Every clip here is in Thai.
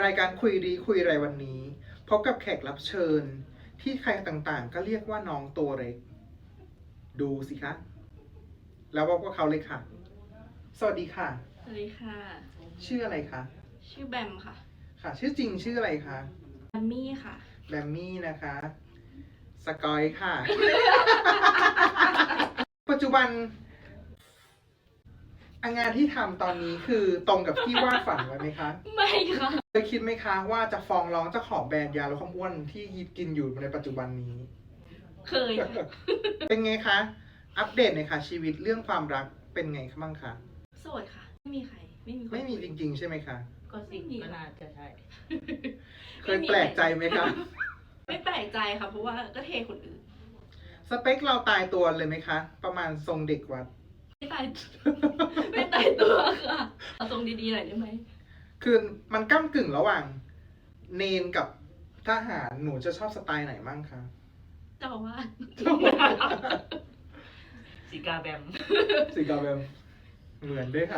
รายการคุยดีคุยอะไรวันนี้พบกับแขกรับเชิญที่ใครต่างๆก็เรียกว่าน้องตัวเล็กดูสิคะแล้วพบกับเขาเลยค่ะสวัสดีค่ะสวัสดีค่ะชื่ออะไรคะชื่อแบมค่ะค่ะ ชื่อจริงชื่ออะไรคะแบมมี่ค่ะแบมมี่นะคะสกอยค่ะ ปัจจุบันงานที่ทำตอนนี้คือตรงกับที่วาดฝันไว้ไหมคะไม่ค่ะเคยคิดไหมคะว่าจะฟ้องร้องเจ้าของแบรนด์ยาลดความอ้วนที่ยิบกินอยู่ในปัจจุบันนี้เคยค่ะเป็นไงคะ อัปเดตหน่อยค่ะชีวิตเรื่องความรักเป็นไงบ้างคะโสดค่ะ ไม่มีใคร ไม่มีคนไม่มีจริงๆใช่ไหมคะก็สิงก็น่าจะใช่เคยแปลกใจไหมคะไม่แปลกใจค่ะ เพราะว่าก็เทคนอื่นสเปคเราตายตัวเลยไหมคะ ประมาณทรงเด็กวัดไม่ตาย ไม่ตายตัวค่ะเอาทรงดีๆหน่อยได้ไหมคือมันก้ำกึ่งระหว่างเนนกับทหารหนูจะชอบสไตล์ไหนบ้างคะเจ้าอาว่าสสีกาแบมสีกาเบมเหมือนด้วยค่ะ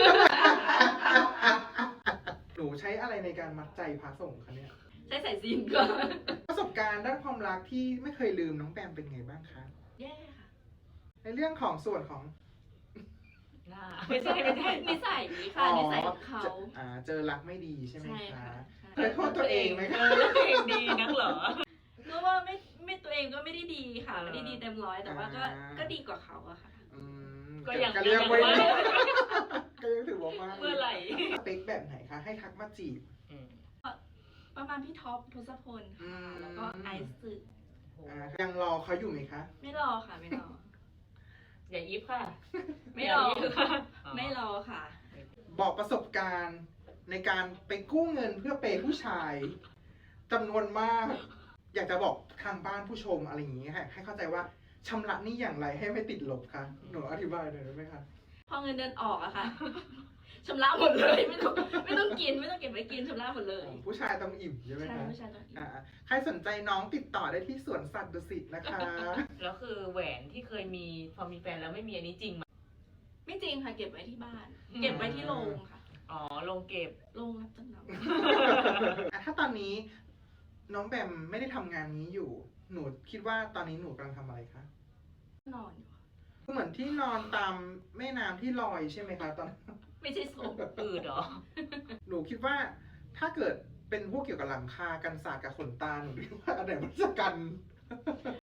หนูใช้อะไรในการมัดใจพระสงฆ์คะเนี่ยใช้สายซินก่อนประสบการณ์ด้านความรักที่ไม่เคยลืมน้องแปมเป็นไงบ้างคะแย่ค่ะในเรื่องของส่วนของหน้าไม่ใช่ไม่ใช่นิสัยค่ะนิสัยของเขาเจอรักไม่ดีใช่ไหมใช่คะค่ะเคยโทษตัวเองไหมเอคะอแล้วตัวเองดีนักเหรอก็ว่าไม่ตัวเองก็ไม่ได้ดีค่ะ ไม่ได้ดีเต็มร้อย แต่ว่าก็ดีกว่าเขาอะค่ะอืมก็ยังเรียกไว้ยังว่าก็ยังถือว่ามากเมื่อไหร่สเปคแบบไหนคะ ให้ทักมาจีบอืมประมาณพี่ท็อปทศพลอืค่ะมแล้วก็ไอซ์สึโหยังรอเขาอยู่ไหมคะไม่รอค่ะ ไม่รออย่ายิบค่ะไม่รออย่ายิบค่ะไม่รอค่ะบอกประสบการณ์ในการไปกู้เงินเพื่อเปย์ผู้ชายจำนวนมาก อยากจะบอกทางบ้านผู้ชมอะไรอย่างนี้ให้เข้าใจว่าชำระหนี้อย่างไรให้ไม่ติดลบคะหนูอธิบายหน่อยได้ไหมคะพอเงินเดือนออกอะค่ะ ชำระหมดเลยไม่ต้องกินไม่ต้องเก็บไว้กินชำระหมดเลยผู้ชายต้องอิ่มใช่ไหมใช่คะผู้ชายต้องกินใครสนใจน้องติดต่อได้ที่สวนสัตว์ดุสิตนะคะแล้วคือแหวนที่เคยมีพอมีแฟนแล้วไม่มีอันนี้จริงไหมไม่จริงค่ะ เก็บไว้ที่บ้านอืมเก็บไว้ที่โรงค่ะอ๋อลงเก็บโรงรับจำนำถ้าตอนนี้น้องแบมไม่ได้ทำงานนี้อยู่ หนูคิดว่าตอนนี้หนูกำลังทำอะไรคะนอนอยู่เหมือนที่นอนตามแม่น้ำที่ลอยใช่ไหมคะตอนไม่ใช่ศพอืดเหรอหนูคิดว่าถ้าเกิดเป็นพวกเกี่ยวกับหลังคากันศาสตร์กับขนตาหนูคิดว่าอันไหนมันจะกัน